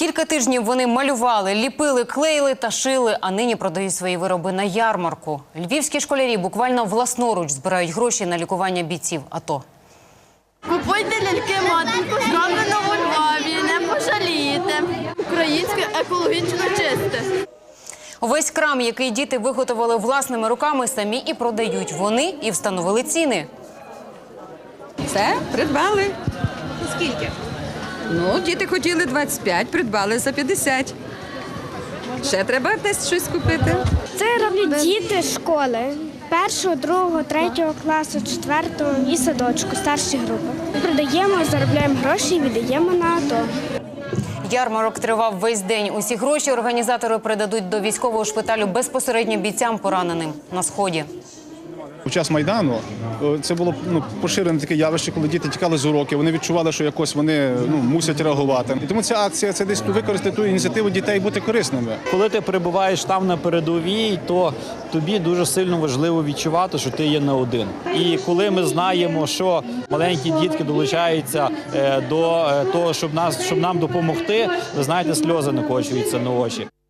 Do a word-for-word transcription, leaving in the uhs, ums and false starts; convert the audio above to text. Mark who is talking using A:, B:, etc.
A: Кілька тижнів вони малювали, ліпили, клеїли та шили, а нині продають свої вироби на ярмарку. Львівські школярі буквально власноруч збирають гроші на лікування бійців АТО.
B: Купуйте ляльки матінку, зроблено у Львові, не пожалієте. Українське, екологічно чисте.
A: Весь крам, який діти виготовили власними руками, самі і продають. Вони і встановили ціни.
C: Це придбали.
D: Скільки?
C: Ну, діти хотіли двадцять п'ять, придбали за п'ятдесят. Ще треба десь щось купити.
E: Це роблять діти з школи. Першого, другого, третього класу, четвертого і садочку, старші групи. Продаємо, заробляємо гроші і віддаємо на АТО.
A: Ярмарок тривав весь день. Усі гроші організатори передадуть до військового шпиталю безпосередньо бійцям, пораненим на Сході.
F: У час Майдану це було ну, поширене таке явище, коли діти тікали з уроків, вони відчували, що якось вони ну, мусять реагувати. І тому ця акція – це десь використати ту ініціативу дітей бути корисними.
G: Коли ти перебуваєш там на передовій, то тобі дуже сильно важливо відчувати, що ти є не один. І коли ми знаємо, що маленькі дітки долучаються до того, щоб, нас, щоб нам допомогти, ви знаєте, сльози накочуються на очі.